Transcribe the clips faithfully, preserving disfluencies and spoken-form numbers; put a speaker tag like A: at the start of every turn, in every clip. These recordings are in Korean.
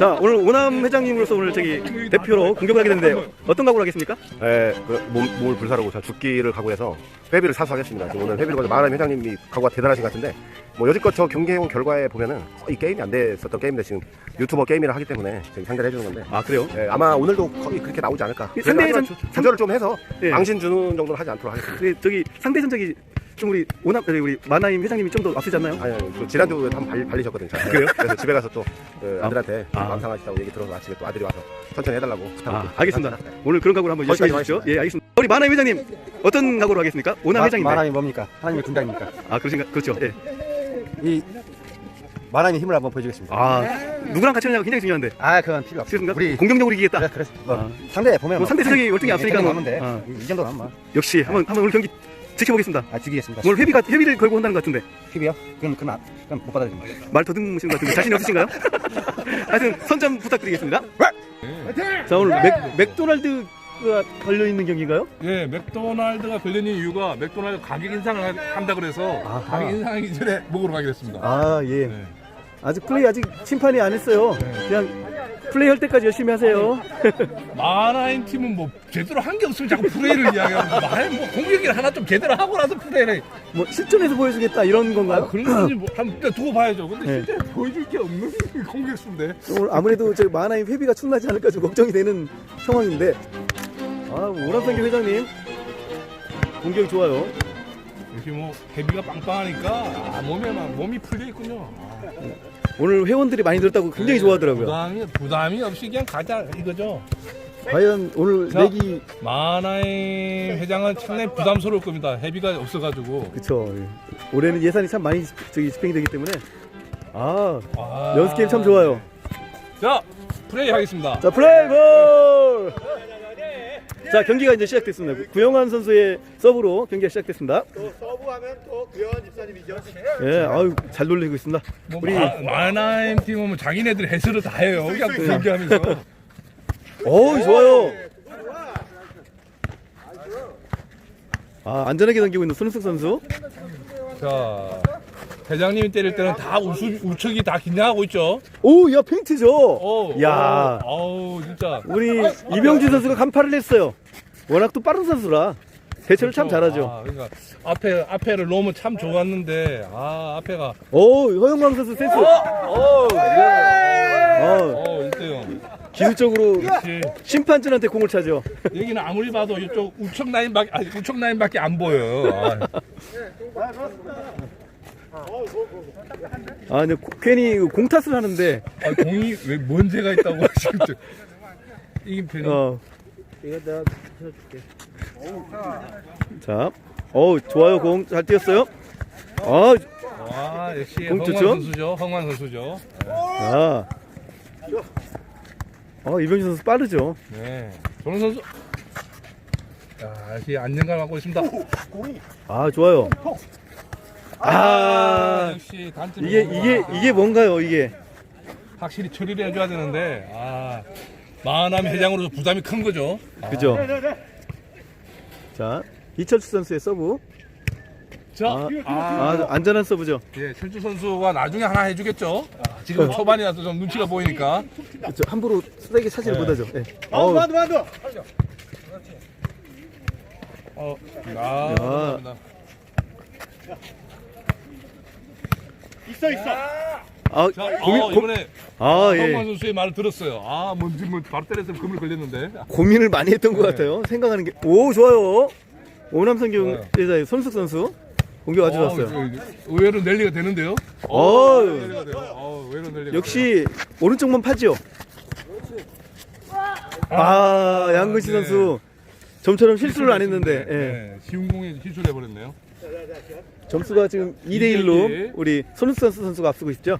A: 자, 오늘 오남 회장님으로서 오늘 저기 대표로 공격을 하게 됐는데 어떤 각오를 하겠습니까?
B: 네, 그 몸, 몸을 불사르고 자 죽기를 각오해서 회비를 사서 하겠습니다. 지금 오늘 회비를 거둬 마하람 회장님이 각오가 대단하신 것 같은데 뭐 여지껏 저 경기해온 결과에 보면은 거의 게임이 안 됐었던 게임인데 지금 유튜버 게임이라 하기 때문에 지금 상대를 해주는 건데
A: 아, 그래요?
B: 네, 아마 오늘도 거의 그렇게 나오지 않을까.
A: 상대전
B: 조절을 좀 해서
A: 네.
B: 망신 주는 정도는 하지 않도록 하겠습니다.
A: 근데 저기 상대 전적이 좀 우리 오남 저기 우리 마나임 회장님이 좀 더 앞서지 않나요?
B: 아니, 아니, 그 지난주에 한번 발, 발리셨거든요. 아,
A: 그래요?
B: 그래서 집에 가서 또 그, 아들한테
A: 아.
B: 마음 상하시다고 얘기 들어서 아침에 또 아들이 와서 천천히 해달라고 부탁을
A: 아, 알겠습니다. 오늘 그런 각오를 한번 열심히
B: 거기까지
A: 해주십시오. 예, 알겠습니다. 우리 마나임 회장님 어떤 각오로 하겠습니까? 오남 회장님.
C: 마나임이 뭡니까? 하나님의 군단입니까?
A: 아, 그러신가? 그렇죠. 예.
C: 이 마나임의 힘을 한번 보여주겠습니다.
A: 아, 누구랑 같이 하냐가 굉장히 중요한데.
C: 아, 그건 필요 없어.
A: 그렇습니까?
C: 우리
A: 공격적으로 이기겠다.
C: 그래, 그래. 뭐
A: 아.
C: 상대 보면
A: 뭐 상대 세력이 월등히 앞서니까 뭐.
C: 하면 돼.
A: 아.
C: 이, 이 정도는 뭐.
A: 역시 한번 한번 오늘 경기 지켜보겠습니다.
C: 아, 죽이겠습니다.
A: 오늘 회비가 회비를 걸고 한다는 것 같은데
C: 팁이요? 그럼 그럼, 안- 그럼 못 받아들입니다.
A: 말 더듬으시는 것 같은데 자신이 없으신가요? 하여튼 선점 부탁드리겠습니다. 자, 오늘 맥, 맥도날드가 걸려 있는 경기인가요?
D: 예, 맥도날드가 걸리는 이유가 맥도날드 가격 인상을 하- 한다 그래서
A: 아하.
D: 가격 인상하기 전에 먹으러 가기로 했습니다.
A: 아, 예.
D: 네.
A: 아직 플레이 아직 심판이 안 했어요. 그냥 플레이 할 때까지 열심히 하세요.
D: 마나임 팀은 뭐 제대로 한 게 없으면 자꾸 플레이를 이야기하고 마나임 뭐 공격을 하나 좀 제대로 하고 나서 플레이를 해.
A: 뭐 실전에서 보여주겠다 이런 건가요?
D: 그런 건지 뭐 한번 두고 봐야죠. 근데
A: 네.
D: 실제 보여줄 게 없는 공격수인데.
A: 오늘 아무래도 저 마나임 회비가 충나지 않을까 좀 걱정이 되는 상황인데. 아, 오람상기 회장님 공격 좋아요.
D: 역시 뭐 헤비가 빵빵하니까 아, 몸에 막 몸이 풀려 있군요. 아,
A: 오늘 회원들이 많이 들었다고 굉장히 좋아하더라고요.
D: 부담이 부담이 없이 그냥 가자 이거죠.
A: 과연 오늘
D: 자.
A: 내기
D: 마나임 회장은 상당히 부담스러울 겁니다. 헤비가 없어가지고.
A: 그쵸. 올해는 예산이 참 많이 집- 저기 집행이 되기 때문에 아,
D: 아,
A: 연습 게임 참 좋아요.
D: 자, 플레이 하겠습니다.
A: 자, 플레이 볼! 자, 경기가 이제 시작됐습니다. 구영환 선수의 서브로 경기가 시작됐습니다.
E: 또 서브하면 또 구현 집사님이죠.
A: 예, 아유, 잘 놀리고 있습니다.
D: 뭐
A: 우리
D: 마, 마나임 팀은 뭐 자기네들 해설을 다 해요. 그냥 그 경기하면서.
A: 어우, 좋아요. 아, 안전하게 던지고 있는 손흥석 선수.
D: 자, 회장님이 때릴 때는 다 우수, 우측이 다 긴장하고 있죠.
A: 오, 야, 페인트죠.
D: 어,
A: 야,
D: 어우, 진짜.
A: 우리 이병진 선수가 간파를 했어요. 워낙 또 빠른 선수라 대처를 참 잘하죠.
D: 아, 그러니까 앞에 앞에를 놓으면 참 좋았는데 아 앞에가
A: 오, 허영광 선수 센스. 어,
D: 어 일대요.
A: 기술적으로
D: 역시
A: 심판진한테 공을 차죠.
D: 여기는 아무리 봐도 이쪽 우측 라인밖에 아니 우측 라인밖에 안 보여요. 아,
A: 아, 근데 고- 괜히 공 탓을 하는데,
D: 아, 공이 왜 문제가 있다고 지금 저- 이긴 편이.
A: 어. 자, 어, 좋아요. 공 잘 뛰었어요. 어,
D: 와 역시
A: 공
D: 황만
A: 좋죠?
D: 선수죠. 황만 선수죠.
A: 자, 어, 이병진 선수 빠르죠.
D: 네. 조는 선수. 자 역시 안정감 갖고 있습니다.
A: 아, 좋아요. 아,
D: 역시 단점이
A: 이게 이게 이게 뭔가요? 이게
D: 확실히 처리를 해줘야 되는데 아 마하남 회장으로서 부담이 큰 거죠.
A: 그죠? 자, 이철수 선수의 서브.
D: 자,
A: 아,
D: 아,
A: 아, 안전한 서브죠.
D: 예, 철주 선수가 나중에 하나 해주겠죠. 아, 지금 초반이라서 좀 눈치가 보이니까.
A: 그렇죠. 함부로 세게 차지를
D: 네.
A: 못하죠. 예.
E: 만두
A: 어우,
E: 만두 만두.
D: 어, 아,
A: 야.
D: 감사합니다.
E: 있어 있어.
A: 아,
D: 자,
A: 고민,
D: 어,
A: 고,
D: 이번에
A: 아,
D: 황만
A: 예.
D: 선수의 말을 들었어요. 아, 뭔지 뭐 바로 때렸으면 금을 걸렸는데.
A: 고민을 많이 했던 것
D: 네.
A: 같아요. 생각하는 게. 오, 좋아요. 오남성경
D: 좋아요.
A: 여자의 손숙 선수 공격 아주 좋았어요.
D: 어, 의외로 랠리가 되는데요.
A: 어,
D: 랠리가 돼요. 어, 의외로 랠리가
A: 역시 오른쪽만 파죠. 아, 양근시
D: 네.
A: 선수 점처럼 실수를 안 했는데,
D: 돼요.
A: 예.
D: 네, 쉬운 공에 실수를 해버렸네요.
A: 점수가 지금 이 대 일로
D: 일.
A: 우리 손흥 선수 선수가 앞서고 있죠.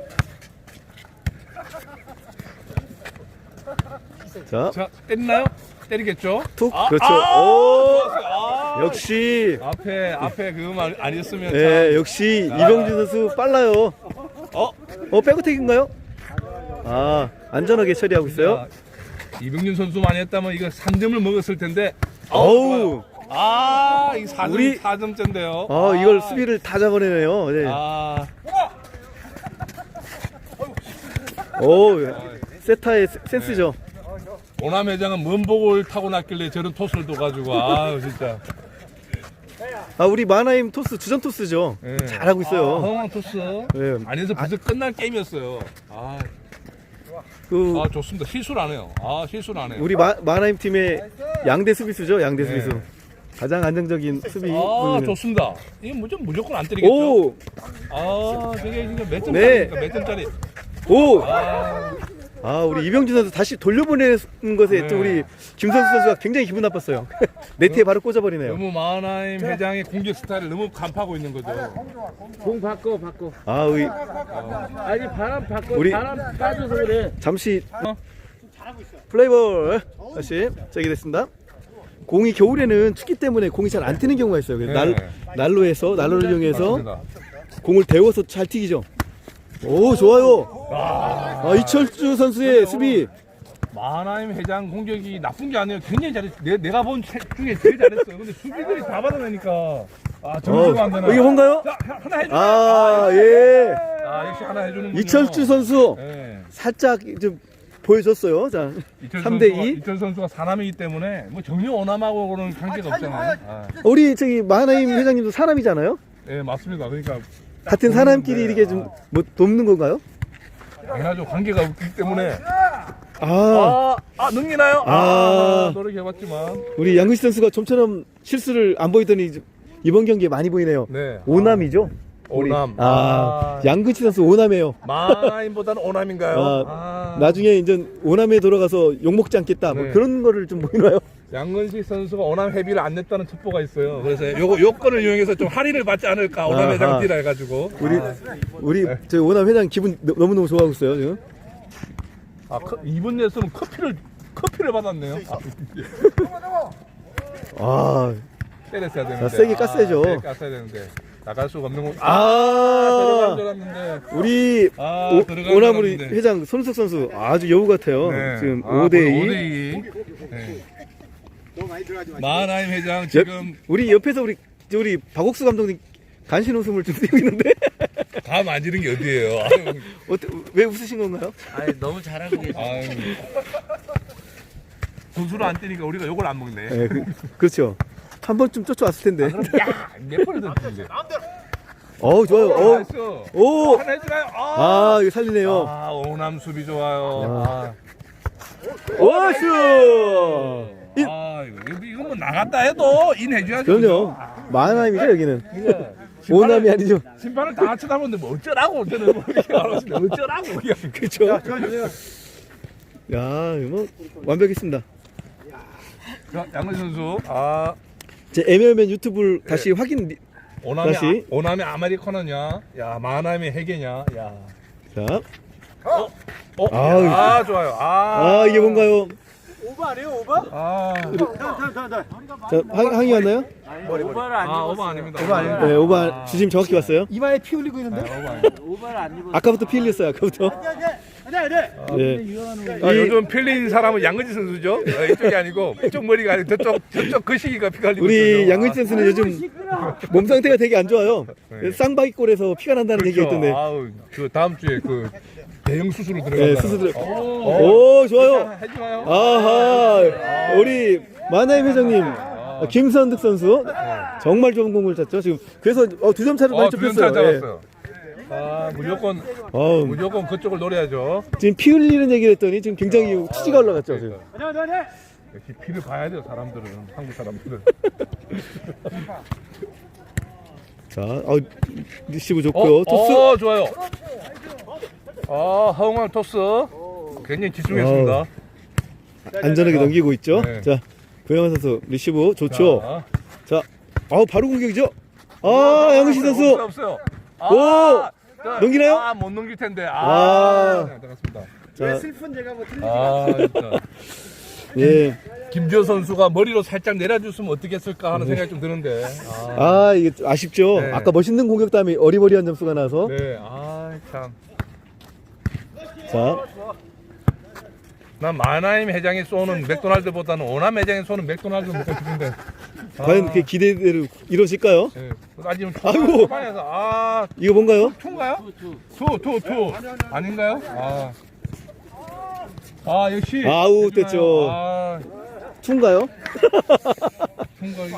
A: 자,
D: 자, 때리나요? 때리겠죠?
A: 툭.
D: 아,
A: 그렇죠.
D: 아,
A: 오,
D: 좋았어요. 아,
A: 역시,
D: 앞에 앞에 그말 아니었으면
A: 예,
D: 참.
A: 역시 이병진 선수 빨라요.
D: 어?
A: 어, 백어택인가요? 아, 안전하게 처리하고 있어요.
D: 자, 이병준 선수만 했다면 이거 삼 점을 먹었을 텐데.
A: 어우,
D: 아, 이 사 점
A: 우리-
D: 사 점째인데요.
A: 아, 이걸 수비를 다 잡아내네요. 네.
D: 아,
A: 오, 세타의 세- 센스죠.
D: 오남 회장은 뭔 복을 타고 났길래 저런 토스를 둬가지고 아 진짜.
A: 아 우리 마나임 토스 주전 토스죠.
D: 예.
A: 잘하고 있어요.
D: 아, 허망 토스.
A: 예.
D: 안에서 벌써 끝날 게임이었어요. 아,
A: 그
D: 아 좋습니다. 실수를 안 해요. 아 실수를 안 해요.
A: 우리 마, 마나임 팀의 양대 수비수죠. 양대
D: 네.
A: 수비수. 가장 안정적인 수비.
D: 아
A: 부분은.
D: 좋습니다. 이거 무조건 무조건 안 때리겠죠.
A: 오,
D: 아 저게 이게 몇
A: 네.
D: 점짜리입니까? 몇 점짜리?
A: 오.
D: 아,
A: 아 우리 이병준 선수 다시 돌려보내는 것에
D: 네.
A: 또 우리 김선수 선수가 굉장히 기분 나빴어요. 네트에 바로 꽂아버리네요.
D: 너무 마하나임 회장의 공격 스타일을 너무 간파하고 있는 거죠.
F: 공 바꿔 바꿔.
A: 아 우리
F: 아니 바람 바꿔.
A: 우리-
F: 바람 빠져서 그래.
A: 잠시 플레이볼 다시 저기 됐습니다. 공이 겨울에는 춥기 때문에 공이 잘 안 튀는 경우가 있어요. 그래서 날,
D: 네.
A: 난로에서 난로를 이용해서
D: 맞습니다.
A: 공을 데워서 잘 튀기죠. 오 좋아요. 아, 이철주 선수의 수비.
D: 마하나임 회장 공격이 나쁜 게 아니에요. 굉장히 잘했어. 내, 내가 본 책 중에 제일 잘했어요. 근데 수비들이 다 받아내니까 아 점수가 안 되나.
A: 어, 이게 뭔가요?
D: 자, 하나 해줘.
A: 아 예.
D: 아 역시 하나 해주는
A: 이철주 선수
D: 네.
A: 살짝 좀 보여줬어요. 자
D: 이철
A: 삼 대
D: 선수가,
A: 이.
D: 이철 선수가 사람이기 때문에 뭐 정유 오남하고는 관계가 없잖아요. 아,
A: 우리 저기 마나임 회장님도 사람이잖아요.
D: 네 맞습니다. 그러니까
A: 같은 사람끼리 이렇게 좀 뭐 돕는 건가요?
D: 당연하죠. 관계가 없기 때문에
A: 아
D: 아, 아 넘기나요? 아,
A: 아.
D: 노력해봤지만
A: 우리 양근식 선수가 좀처럼 실수를 안 보이더니 이번 경기에 많이 보이네요.
D: 네
A: 오남이죠? 우리-
D: 오남.
A: 아,
D: 아.
A: 양근식 선수 오남이에요.
D: 마나임보다는 오남인가요?
A: 아,
D: 아,
A: 나중에 이제 오남에 돌아가서 욕먹지 않겠다. 뭐
D: 네.
A: 그런 거를 좀 보이나요?
D: 양근식 선수가 오남 회비를 안 냈다는 첩보가 있어요. 그래서 요거 요건을 이용해서 좀 할인을 받지 않을까 오남
A: 아하.
D: 회장 뛰라 해가지고.
A: 우리 우리 저 오남 회장 기분 너- 너무너무 좋아하고 있어요 지금.
D: 아 커, 이번 레슨은 커피를 커피를 받았네요. 아,
A: 아,
D: 때렸어야 되는데.
A: 자, 세게 깠어야죠.
D: 아, 세게 깠어야 되는데 나갈 수가 없는 거. 아,
A: 아,
D: 들어간 줄 알았는데.
A: 우리
D: 아,
A: 오,
D: 들어간
A: 오남
D: 줄
A: 우리
D: 알았는데.
A: 회장 손석선수 아주 여우 같아요.
D: 네.
A: 지금
D: 아,
A: 오 대
D: 오
A: 이.
D: 대 이. 네. 마하나임 회장 지금
A: 우리 옆에서 우리 우리 박옥수 감독님 간신 웃음을 좀 띄고 있는데
D: 다 만지는 게 어디예요? 아유,
A: 어때, 왜 웃으신 건가요?
F: 아니 너무 잘하고 계시.
D: 아유. 분수를 안 뜨니까 우리가 요걸 안 먹네.
A: 네, 그, 그렇죠. 한 번쯤 쫓아왔을 텐데.
D: 그럼 야, 몇 번을 던지는데.
A: 어우 좋아요. 어,
D: 나이스.
A: 오,
D: 하나 해주나요? 아,
A: 아 이거 살리네요.
D: 아, 오남 수비 좋아요. 아,
A: 오슈. 인-
D: 아 이거 이거 뭐 나갔다 해도 인 해줘야죠.
A: 그럼요. 마나임이죠 여기는.
D: 그죠?
A: 오남이 아니죠.
D: 심판을 다 쳐다보는데 뭐 어쩌라고 저는 뭐 이렇게 말하시네. 어쩌라고 그냥.
A: 그렇죠. 야, 이거 뭐 완벽했습니다.
D: 자, 양근 선수. 아,
A: 제 엠엘맨 유튜브를 다시 확인.
D: 오남의
A: 다시.
D: 아, 오남의 아메리카노냐? 야, 마하나임의 해계냐? 야.
A: 자,
D: 어,
A: 아유.
D: 아, 좋아요. 아,
A: 아 이게 뭔가요?
E: 오버 아니에요 오버?
D: 아,
A: 자, 항, 항의 왔나요?
F: 오버를 안
D: 아,
F: 입었어.
D: 오버 아닙니다.
E: 오버 아닙니다.
A: 네, 오바 주심 정확히 왔어요.
E: 이마에 피 흘리고 있는데?
D: 아, 오버 아닙니다.
F: 오버를 안 입었어.
A: 아까부터 피 흘렸어요. 아까부터.
E: 아니야 아니야
A: 네.
D: 아,
A: 이-
D: 요즘 필린 사람은 양근지 선수죠? 어, 이쪽이 아니고 이쪽 머리가 아니고 저쪽 저쪽 그 시기가 피가 흘리고
A: 우리
D: 있어요.
A: 양근식 선수는 요즘 몸 상태가 되게 안 좋아요.
D: 네.
A: 쌍바퀴골에서 피가 난다는 얘기가 있던데.
D: 아우, 그 다음 주에 그 대형 수술로
A: 네,
D: 들어간다.
A: 수술.
D: 오,
A: 오, 좋아요.
D: 해주나요?
A: 아하, 우리 마나임 회장님, 김선득 선수 정말 좋은 공을 찼죠. 지금 그래서 어, 두 점 차로 많이
D: 어, 두점 차
A: 좁혔어요. 예.
D: 잡았어요. 아, 무조건
A: 어우,
D: 무조건 그쪽을 노려야죠.
A: 지금 피 흘리는 얘기를 했더니 지금 굉장히 치지가 올라갔죠. 지금.
E: 아니야 아니야
D: 역시 피를 봐야 돼요, 사람들은. 한국 사람들은.
A: 자, 어, 리시브
D: 어,
A: 좋고요. 토스.
D: 어, 좋아요. 아, 허웅한 토스. 굉장히 집중했습니다.
A: 안전하게 넘기고 있죠.
D: 네.
A: 자, 고영환 선수 리시브 좋죠.
D: 자,
A: 자, 아우 바로 공격이죠. 아, 양은식
D: 없어요,
A: 선수.
D: 없어요.
A: 오!
D: 저,
A: 넘기나요?
D: 아, 못 넘길 텐데.
A: 와.
D: 아, 네, 들어갔습니다.
A: 자,
E: 슬픈 제가 뭐 틀리지
D: 아, 진짜.
A: 예.
D: 김지호 선수가 머리로 살짝 내려줬으면 어떻겠을까 하는 생각이 좀 드는데. 아,
A: 아, 이게 좀 아쉽죠.
D: 네.
A: 아까 멋있는 공격 다음에 어리버리한 점수가 나서.
D: 네, 아, 참.
A: 자,
D: 난 마나임 회장이 쏘는 맥도날드보다는 오남 회장이 쏘는 맥도날드 먹고 싶은데.
A: 과연 그 기대대로 이루어질까요?
D: 네. 아직은
A: 아이고.
D: 초반에서 아,
A: 이거 뭔가요?
D: 투인가요? 투, 투, 투. 아닌가요? 아, 아 역시
A: 아우, 됐죠.
D: 아
A: 투인가요?
D: 총각이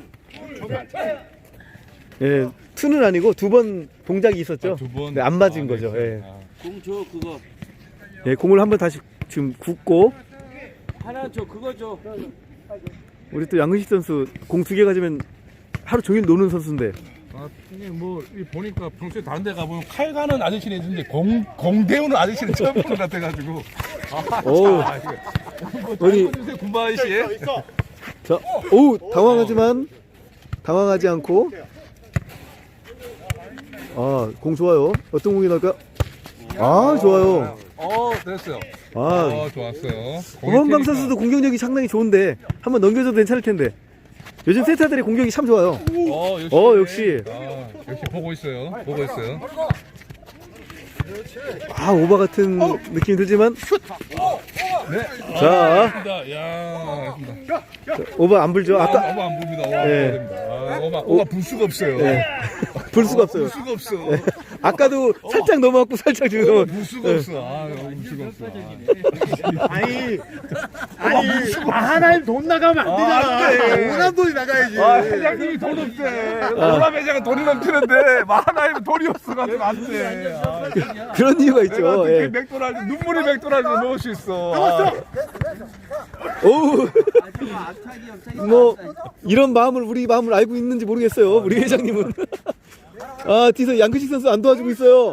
A: 예, 투는 아니고 두 번 동작이 있었죠.
D: 아, 두 번.
A: 네, 안 맞은
D: 아,
A: 거죠.
D: 네.
A: 예.
D: 아.
F: 공 줘 그거.
A: 예, 공을 한번 다시 지금 굽고
F: 하나 줘 그거 줘.
A: 우리 또 양근식 선수 공 두 개 가지면 하루 종일 노는 선수인데.
D: 아, 이게 뭐, 이 보니까 평소에 다른 데 가보면 칼 가는 아저씨는 있는데 공, 공 데우는 아저씨는 처음 보는 것 같아가지고.
A: 오,
D: 아, 이거. 뭐,
A: 어디-
D: 어디 군바 아저씨?
A: 자, 오, 당황하지만 당황하지 않고. 아, 공 좋아요. 어떤 공이 나올까? 아, 좋아요.
D: 어, 됐어요.
A: 아,
D: 어, 좋았어요.
A: 오범강 선수도 공격력이 상당히 좋은데 한번 넘겨줘도 괜찮을 텐데. 요즘 세타들의 공격이 참 좋아요.
D: 어, 역시.
A: 어, 역시.
D: 아, 역시 보고 있어요. 보고 있어요.
A: 아, 오바 같은 느낌이 들지만
D: 네.
A: 자.
D: 알겠습니다. 야, 알겠습니다.
A: 오바 안 불죠.
D: 아까
A: 아까
D: 오바 안 봅니다. 오바
A: 네.
D: 안 됩니다. 아, 오바, 오바 불 수가 없어요.
A: 네. 불 수가 없어요.
D: 불 수가 없어.
A: 아까도 살짝 넘어갔고 살짝 지금
D: 불 수가 없어. 아, 불 수가 없어.
E: 아니 아니 하나님 돈 나가면 안 되잖아. 오남 돈이 나가야지.
D: 아, 회장님이 돈 없대. 오람 회장은 돈이 넘치는데 마하나이면 돈이 없어가지고 안 돼. 아,
A: 그런 이유가
D: 내가
A: 있죠.
D: 어떻게
A: 예.
D: 맥도날드 눈물이 맥도날드 넣을 수 있어. 아,
A: 오, 뭐 이런 마음을 우리 마음을 알고 있는지 모르겠어요. 우리 회장님은. 아, 뒤에서 양근식 선수 안 도와주고 있어요.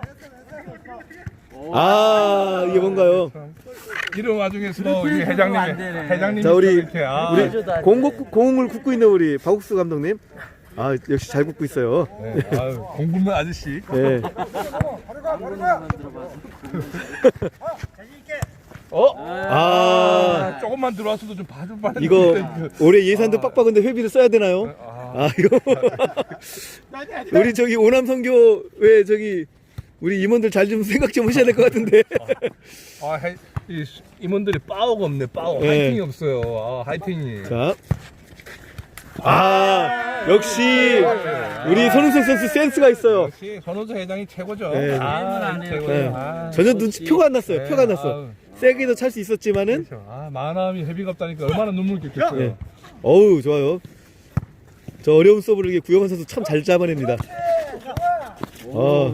A: 아, 이게 뭔가요?
D: 이런 와중에서 우리 회장님이 회장님이
A: 자, 우리
D: 이렇게 아,
A: 우리 공, 굽- 공을 굽고 있는 우리 박욱수 감독님. 아, 역시 잘 굽고 있어요.
D: 네, 아유, 공군만 아저씨.
A: 예.
D: 어?
A: 아,
D: 조금만 들어왔어도 좀 봐줄 뻔했는데.
A: 이거 올해 예산도 빡빡한데 회비를 써야 되나요? 아, 이거 우리 저기 오남 선교회 저기 우리 임원들 잘 좀 생각 좀 하셔야 될 것 같은데.
D: 아, 해, 이 임원들이 빠오가 없네. 빠오.
A: 네.
D: 하이팅이 없어요. 아, 하이팅이.
A: 자, 아, 역시 우리 손흥석 선수 센스가 있어요.
D: 역시 손호조 회장이 최고죠.
A: 네.
D: 아, 최고죠.
A: 네.
D: 아,
A: 전혀 눈치 표가 안 났어요.
D: 네,
A: 표가 안 났어.
D: 아유.
A: 세게도 찰 수 있었지만은,
D: 그렇죠. 아, 마음이 회비가 없다니까 얼마나 눈물 겠겠어요.
A: 네. 어우, 좋아요. 저 어려운 서브를 이게 구영환 선수 참 잘 잡아냅니다. 어.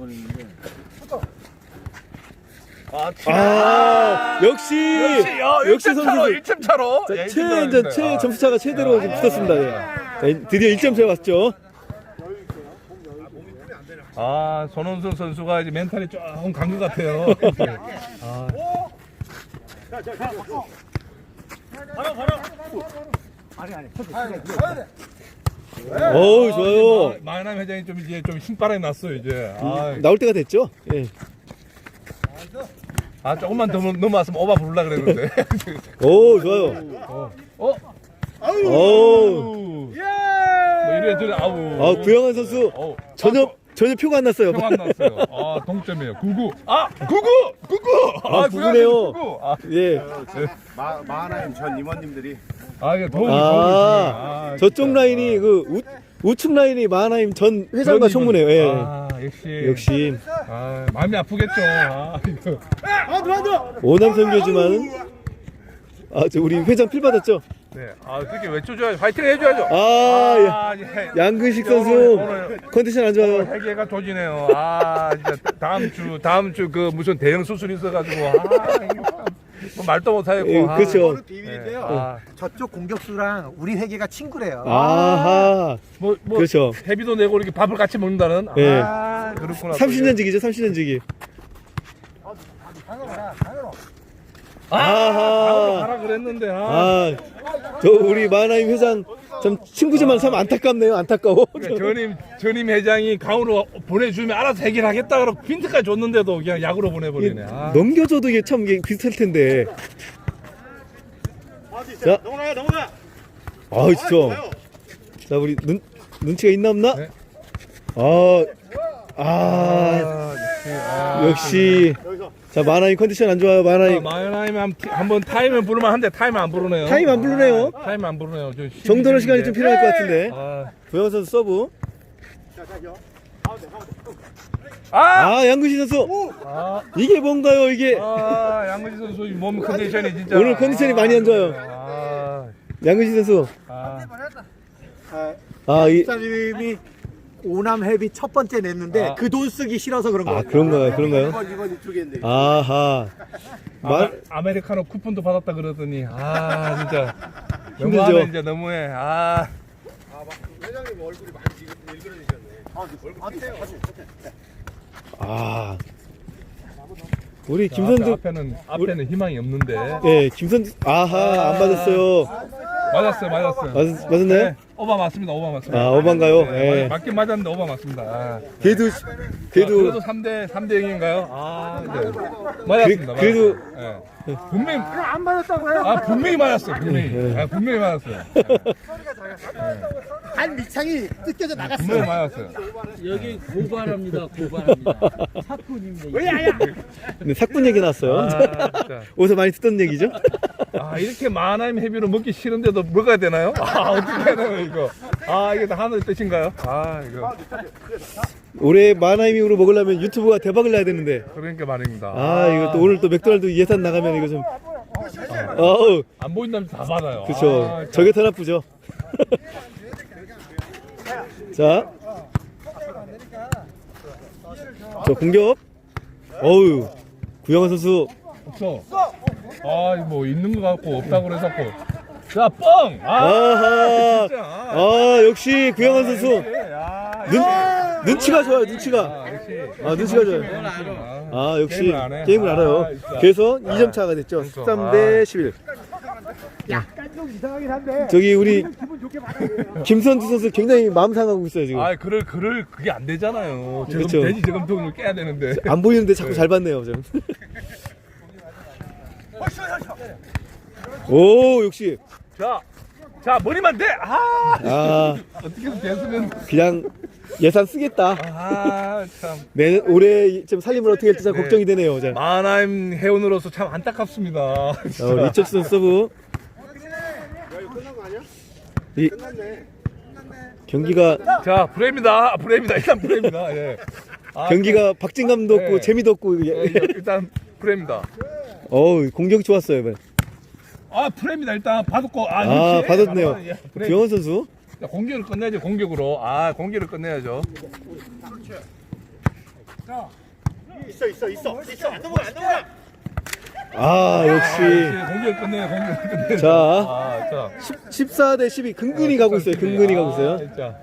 A: 아, 역시 역시 선수
D: 일 점 차로.
A: 자,
D: 예,
A: 최,
D: 일 점
A: 이제
D: 차로
A: 최
D: 했습니다.
A: 점수차가 최대로 좀 붙었습니다. 예. 자, 드디어 일 점 차 왔죠.
D: 아, 손원순 선수가 이제 멘탈이 조금 간 것 같아요. 아,
A: 어우, 좋아요.
D: 마이남 회장이 좀 이제 좀 힘바람이 났어요 이제. 아,
A: 나올 때가 됐죠. 예.
D: 아 조금만 더 넘어왔으면 오바 부르려 그랬는데.
A: 오, 좋아요.
D: 어?
A: 오,
D: 뭐 이래 저래 아우.
A: 아, 구영환 선수
D: 어우,
A: 전혀 전혀 표가 안 났어요.
D: 평안 났어요. 아 동점이에요. 구구. 아 구구 구구.
A: 아,
D: 구구네요.
A: 구구네요.
D: 구구. 아,
A: 예.
B: 마, 마하나임 전 임원님들이
D: 아 이게 도움이
A: 아,
D: 도움이.
A: 저쪽 라인이 그 우, 우측 라인이 마하나임 전 회장과 총무네요. 예.
D: 아 역시.
A: 역시
D: 아 마음이 아프겠죠. 아 이거.
A: 오남 선교지만 아, 저 우리 회장 필 받았죠.
D: 네. 아 그렇게 외쳐줘야죠. 파이팅 해줘야죠.
A: 아, 야,
D: 아, 예.
A: 양근식 선수
D: 오늘-
A: 컨디션 안 좋아요.
D: 회계가 조지네요. 아, 진짜 다음 주 다음 주 그 무슨 대형 수술 있어가지고 아, 이거 참, 뭐 말도 못하겠고.
A: 예,
D: 아,
A: 그렇죠.
E: 비밀인데요.
D: 아,
E: 저쪽 공격수랑 우리 회계가 친구래요.
A: 아하,
D: 뭐, 뭐
A: 그렇죠.
D: 회비도 내고 이렇게 밥을 같이 먹는다는.
A: 예.
D: 아, 그렇구나.
A: 삼십 년지기죠, 삼십 년지기.
D: 아,
A: 아하.
D: 가라 그랬는데. 아.
A: 아, 저 우리 마하나임 회장 참 친구지만 참 안타깝네요. 안타까워.
D: 그러니까 전임 전임 회장이 강으로 보내주면 알아서 해결하겠다 그러고 핀트까지 줬는데도 그냥 약으로 보내버리네. 아.
A: 넘겨줘도 이게 참 이게 비슷할 텐데. 자,
E: 넘어가요, 넘어가.
A: 아, 진짜. 자, 우리 눈 눈치가 있나 없나?
D: 네.
A: 아, 아,
D: 아, 역시. 아,
A: 역시. 자, 마하나임 컨디션 안 좋아요. 마하나임.
D: 마이나임 한- 한번 타임을 부르면 한데 타임 안 부르네요.
A: 타임 안 부르네요.
D: 아, 타임 안 부르네요. 저
A: 정도는 시간이 좀 필요할 것 같은데.
D: 아,
A: 구영 선수 서브.
D: 아!
A: 아, 양근식 선수. 이게 뭔가요, 이게?
D: 아, 양근식 선수 몸 컨디션이 진짜.
A: 오늘 컨디션이 많이 안 좋아요.
D: 아,
A: 양근식 선수.
D: 아,
A: 아, 이,
E: 집사님이 오남 헤비 첫 번째 냈는데
D: 아.
E: 그 돈 쓰기 싫어서 그런
A: 아,
E: 거예요.
A: 그런가요, 그런가요? 아하.
D: 아, 아메리카노 쿠폰도 받았다 그러더니 아 진짜
A: 힘들죠?
D: 너무하네 이제 너무해. 아.
A: 아. 우리
D: 자,
A: 김선주.
D: 앞에, 앞에는 앞에는 희망이 없는데.
A: 예, 김선주. 아하, 안 맞았어요.
D: 맞았어요, 맞았어요.
A: 맞, 맞았나요?
D: 네, 오바 맞습니다, 오바 맞습니다.
A: 아, 오바인가요?
D: 네,
A: 예.
D: 맞, 맞긴 맞았는데 오바 맞습니다. 아.
A: 그래도,
D: 자,
A: 그래도,
D: 그래도 삼 대 삼 대 영인가요? 아, 네. 맞았습니다.
A: 그- 그래도-
D: 맞았어요. 예. 분명히 안 맞았다고요? 아, 분명히 맞았어요. 분명히. 아, 분명히 맞았어요.
E: 한 미창이 뜯겨져 나갔어.
D: 분명히 맞았어요.
F: 여기 고발합니다. 고발합니다. 사건입니다.
A: 근데 사건 얘기 나왔어요.
D: 아, 진짜.
A: 어디서 많이 듣던 얘기죠?
D: 아, 이렇게 만화임 헤비로 먹기 싫은데도 먹어야 되나요? 아, 어떻게 해야 되나요, 이거? 아, 이게 다 하늘의 뜻인가요? 아, 이거.
A: 올해 마나이밍으로 먹으려면 유튜브가 대박을 나야 되는데.
D: 그러니까 말입니다.
A: 아, 이거 또 오늘 또 맥도날드 예산 나가면 이거 좀. 어우,
D: 안 보인다면 다 받아요.
A: 그쵸.
D: 아,
A: 저게 더 나쁘죠. 자. 저 공격. 어우, 구영환 선수.
D: 없어. 아, 뭐 있는 거 같고 없다고 그래서 고 자, 뻥! 아,
A: 아하.
D: 진짜.
A: 아, 역시 구영환 선수.
D: 야,
A: 눈, 눈치가 좋아요, 눈치가.
D: 아, 역시.
A: 아, 눈치가 좋아요. 아, 역시
D: 게임을 안 해?
A: 게임을 알아요.
D: 아, 진짜.
A: 그래서 이 점 차가 됐죠. 십삼 대 십일.
E: 약간 좀 이상하긴 한데.
A: 저기 우리
E: 기분 좋게 받아야 돼요.
A: 김선주 선수 굉장히 마음 상하고 있어요, 지금.
D: 아, 그럴 그럴 그게 안 되잖아요. 지금
A: 그쵸.
D: 돼지 저금통을 깨야 되는데.
A: 안 보이는데 자꾸 잘 봤네요, 좀. 오, 역시.
D: 자, 자 머리만 대. 아,
A: 아,
D: 어떻게든 됐으면.
A: 그냥 예산 쓰겠다.
D: 아, 참.
A: 내 올해 좀 살림을 어떻게 할지 참
D: 네.
A: 걱정이 되네요. 자,
D: 만화임 회원으로서 참 안타깝습니다.
A: 어, 이철수 선수 서브. 이 경기가
D: 자, 브레입니다. 브레입니다. 일단 브레입니다. 예. 아,
A: 경기가 박진감도 없고
D: 네.
A: 재미도 없고.
D: 예,
A: 예.
D: 일단 브레입니다.
A: 어우, 공격이 좋았어요, 이번.
D: 아, 브레입니다. 일단 받았고. 아,
A: 아,
D: 역시.
A: 받았네요.
D: 예, 브레.
A: 구영환 선수.
D: 자, 공격을 끝내야죠. 공격으로. 아, 공격을 끝내야죠.
E: 있어 있어 있어 있어. 안 넘어가 안 넘어가.
A: 아, 역시.
D: 공격을 끝내요. 공격을 끝내요.
A: 자.
D: 아, 자.
A: 십사 대 십이 근근히 가고 있어요. 근근히 가고 있어요.
D: 아, 진짜.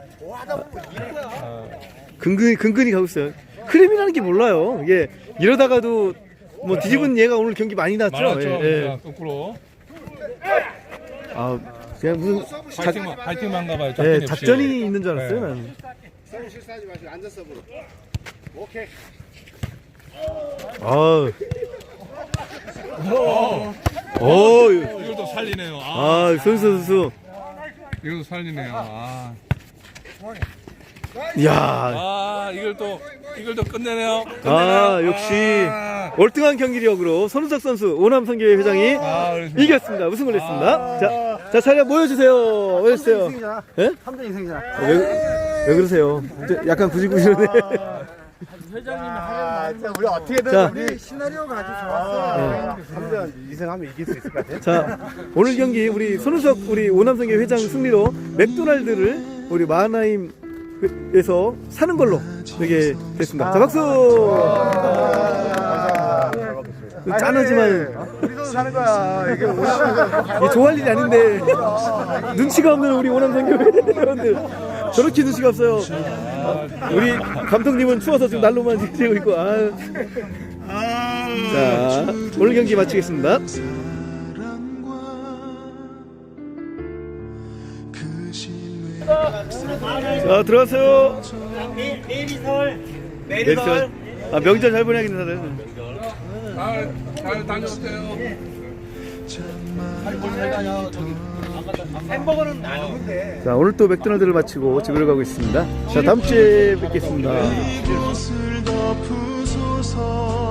A: 근근히 근근히 가고 있어요. 크림이라는 게 몰라요. 이게 이러다가도 뭐 뒤집은 얘가 오늘 경기 많이 났죠.
D: 많았죠.
A: 예, 예.
D: 자, 거꾸로.
A: 아, 그냥 무슨 작,
D: 파이팅만, 파이팅만 가봐요.
A: 예,
D: 작전이 없이.
A: 작전이 있는 줄 알았어요.
D: 네.
A: 나는.
E: 실수하지 마시고 앉아서 보러. 오케이.
A: 아,
D: 어,
A: 어,
D: 이것도 살리네요. 아,
A: 아, 선수 선수.
D: 이것도 살리네요. 아,
A: 이야,
D: 아 이걸 또 이걸 또 끝내네요. 끝내네요.
A: 아, 역시
D: 아,
A: 월등한 경기력으로 손우석 선수 오남선교회 회장이
D: 아, 그렇습니다.
A: 이겼습니다. 우승을 했습니다. 자, 자, 차례 모여주세요. 모여주세요. 예?
E: 삼 점 인생이잖아.
A: 왜, 왜 그러세요? 저 약간 구질구질하네.
F: 회장님이
E: 아,
F: 하려는
E: 진짜 우리 어떻게든
A: 자.
E: 우리 시나리오가 아주 좋았어. 삼 점 이승하면 이길 수 있을 것 같아.
A: 자, 오늘 경기 우리 손우석 우리 오남성교 회장 승리로 맥도날드를 우리 마하나임에서 사는 걸로 되게 됐습니다. 자, 박수! 짠하지만
E: 우리도 사는 거야. 이게 오남
A: 이게 좋아할 일이 아닌데 눈치가 없는 우리 오남성교 회원들 저렇게 눈치가 없어요. 우리 감독님은 추워서 지금 난로만 지고 있고. 아. 자, 오늘 경기 마치겠습니다. 자, 들어가세요.
E: 내리설
A: 내리설. 아, 명절 잘 보내야겠네, 다들.
D: 잘, 잘 다녀오세요.
E: 햄버거는 안 오는데.
A: 자, 오늘 또 맥도날드를 마치고 집으로 가고 있습니다. 자, 다음 주에 뵙겠습니다.
G: 이곳을 덮으소서